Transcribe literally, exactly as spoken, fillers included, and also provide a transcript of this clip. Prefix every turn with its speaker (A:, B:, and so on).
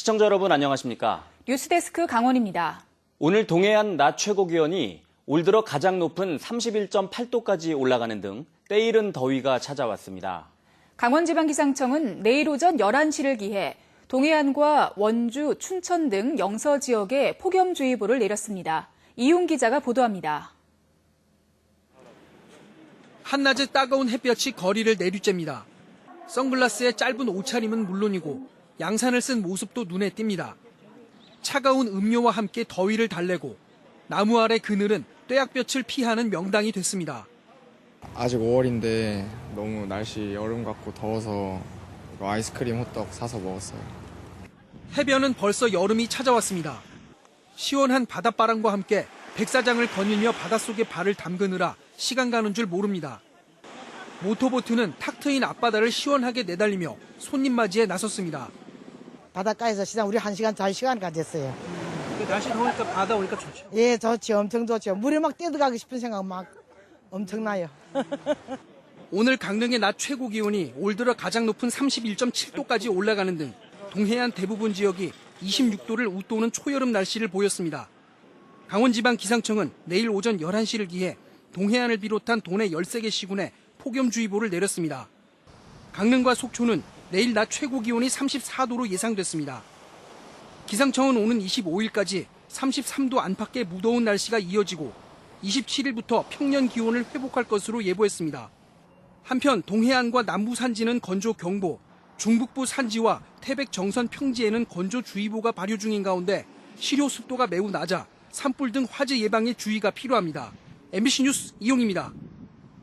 A: 시청자 여러분 안녕하십니까?
B: 뉴스데스크 강원입니다.
A: 오늘 동해안 낮 최고 기온이 올 들어 가장 높은 삼십일 점 팔 도까지 올라가는 등 때이른 더위가 찾아왔습니다.
B: 강원지방기상청은 내일 오전 열한 시를 기해 동해안과 원주, 춘천 등 영서 지역에 폭염주의보를 내렸습니다. 이용 기자가 보도합니다.
C: 한낮에 따가운 햇볕이 거리를 내리쬐입니다. 선글라스에 짧은 옷차림은 물론이고 양산을 쓴 모습도 눈에 띕니다. 차가운 음료와 함께 더위를 달래고 나무 아래 그늘은 뙤약볕을 피하는 명당이 됐습니다.
D: 아직 오월인데 너무 날씨 여름 같고 더워서 이거 아이스크림 호떡 사서 먹었어요.
C: 해변은 벌써 여름이 찾아왔습니다. 시원한 바닷바람과 함께 백사장을 거닐며 바닷속에 발을 담그느라 시간 가는 줄 모릅니다. 모터보트는 탁 트인 앞바다를 시원하게 내달리며 손님 맞이에 나섰습니다.
E: 바닷가에서 시장 우리 한 시간 잘 시간 가졌어요.
C: 날씨 더우니까 바다 오니까 좋죠.
E: 예, 좋죠. 엄청 좋죠. 물에 막 뛰어들어가고 싶은 생각 막 엄청나요.
C: 오늘 강릉의 낮 최고 기온이 올 들어 가장 높은 삼십일 점 칠 도까지 올라가는 등 동해안 대부분 지역이 이십육 도를 웃도는 초여름 날씨를 보였습니다. 강원지방기상청은 내일 오전 열한 시를 기해 동해안을 비롯한 도내 열세 개 시군에 폭염주의보를 내렸습니다. 강릉과 속초는 내일 낮 최고 기온이 삼십사 도로 예상됐습니다. 기상청은 오는 이십오 일까지 삼십삼 도 안팎의 무더운 날씨가 이어지고 이십칠 일부터 평년 기온을 회복할 것으로 예보했습니다. 한편 동해안과 남부 산지는 건조경보, 중북부 산지와 태백 정선 평지에는 건조주의보가 발효 중인 가운데 실효 습도가 매우 낮아 산불 등 화재 예방에 주의가 필요합니다. 엠비씨 뉴스 이용입니다.